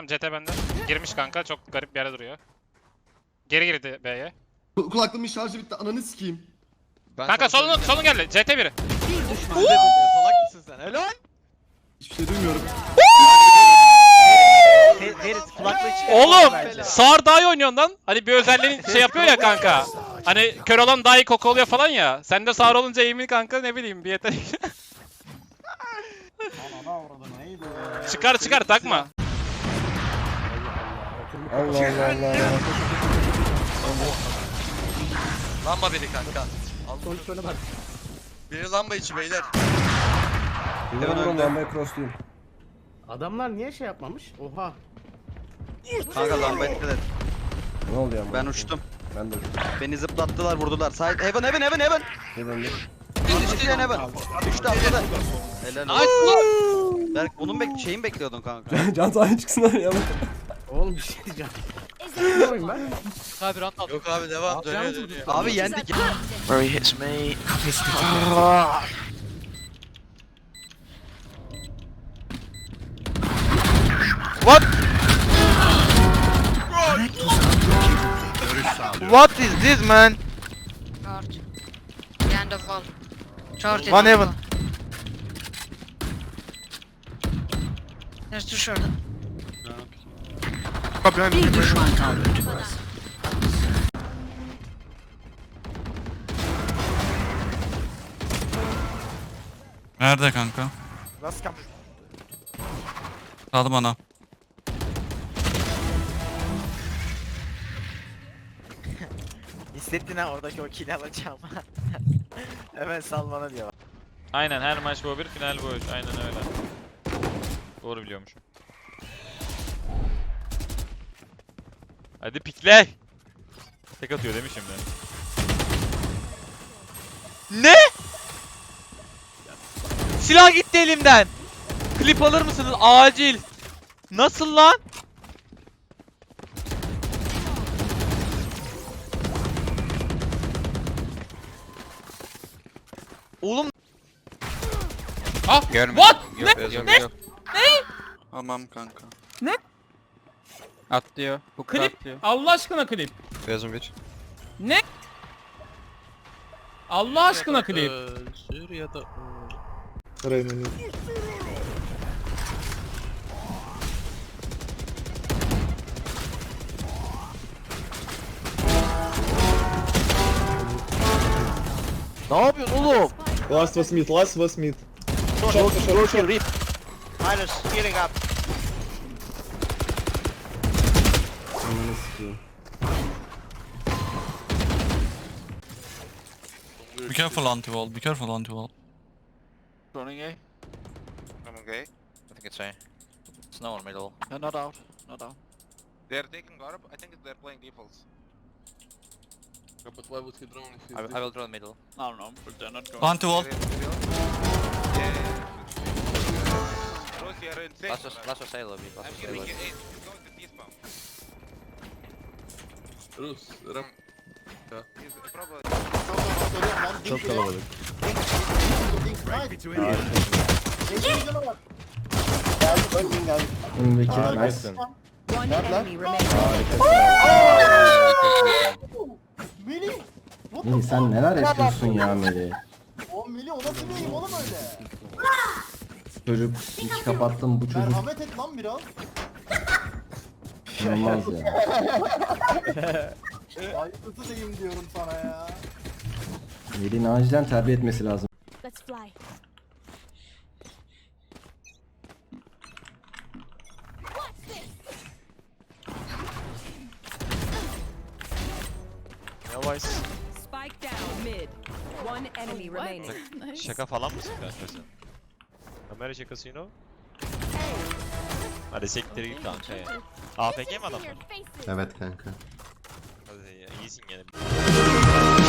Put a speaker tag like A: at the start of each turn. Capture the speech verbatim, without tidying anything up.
A: Tamam C T bende. Girmiş kanka, çok garip bir yere duruyor. Geri girdi B'ye.
B: Ku- Kulaklığımın şarjı bitti. Ananı sikeyim.
C: Ben
A: Kanka
C: sana
A: solun solun geldi. C T biri.
D: Bir düşman.
C: söyleyeyim. Salak mısın sen? Helal.
B: Hiçbir şey duymuyorum.
E: Ferit kulaklığı çıkar.
A: Oğlum
E: bence.
A: sağır daha iyi oynuyorsun lan. Hani bir özelliğin şey yapıyor ya kanka. Hani kör olan daha iyi koku oluyor falan ya. Sen de sağır olunca eğimin kanka, ne bileyim bir yetenek. Çıkar çıkar takma.
F: Allah Allah Allah.
C: Lamba biri kanka. Al. Biri lamba içi beyler.
F: Vurun vurun lambayı crossluyum.
E: Adamlar niye şey yapmamış? Oha.
G: Kanka lambaya dikkat et.
F: Ne oluyor ama?
G: Ben uçtum.
F: Ben de uçtum.
G: Beni zıplattılar, vurdular. Side heaven heaven heaven heaven.
F: Ne döndü?
G: Düştü heaven. Düştü atladı. Helal olsun. Berk bunun bek şeyin bekliyordun kanka.
F: Can sahi çıksın oraya ama.
E: Oğlum bir şey diyeceğim. Ne oyun ben?
C: Yok abi devam. Dönüyor dönüyor.
G: Abi yendik.
H: Where he hits me. What? What is this, man?
I: Charge. Behind the wall. Charge it.
H: One heaven.
I: There's two short.
D: Bir düşman kaldı.
J: Nerede kanka?
H: Last camp.
J: Sal bana.
H: Hissettin ha oradaki o kill alacağım. Hemen sal bana diyor.
A: Aynen, her maç bu bir, final bu üç. Aynen öyle. Doğru biliyormuşum. Hadi pikle. Tek atıyor değil mi şimdi?
H: Ne? Silah gitti elimden. Klip alır mısınız? Acil. Nasıl lan? Oğlum
A: Ah!
J: Görmedim.
A: What?
J: Yok,
A: Ne?
J: yok,
A: Ne?
J: yok. Tamam kanka.
D: Ne?
J: Atlıyor. Hukka
K: Klip.
J: atlıyor.
K: Allah aşkına klip.
J: Beyazım bir.
K: Ne? Allah aşkına klip.
H: ne yapıyorsun oğlum?
B: Last was mid, last was mid.
H: Minus healing up.
F: Ananı sikeyim.
J: Be careful anti-wall. Be careful anti-wall.
H: Running A.
C: I'm okay.
H: I think it's A. It's no one middle. No, not out. Not out.
C: They're taking orb. I think they're playing defaults.
B: But why would he drone if
H: I, I will draw middle. I don't know, but they're not going.
J: Anti-wall.
C: Yeah. Rose, you're in safe.
H: Last was, last was A lobby. Last
C: I'm
H: was A
C: giving
H: lobby.
C: you eight. Going to T-spawn.
B: Rus, ram.
C: He's probably.
F: Çok kalabalık. Önündeki nice.
D: One enemy remaining.
F: Melih sen neler yapıyorsun ya Melih?
B: O Melih o nasıl bir eğim oğlum öyle?
F: Çocuk hiç kapattım bu çocuk
B: Merhamet et lan biraz.
F: inanılmaz ya.
B: Aykırtı eğim diyorum sana ya.
F: Melih'in acilen terbiye etmesi lazım.
I: Let's fly.
H: Yavaş.
D: Spike down mid. One enemy remaining.
A: Şaka falan mısın kanka sen? Kamera şakası you know? Hadi sektir git kanka ya. A F K mi adamlar?
B: Evet kanka.
A: Hadi ya, iyisin gene.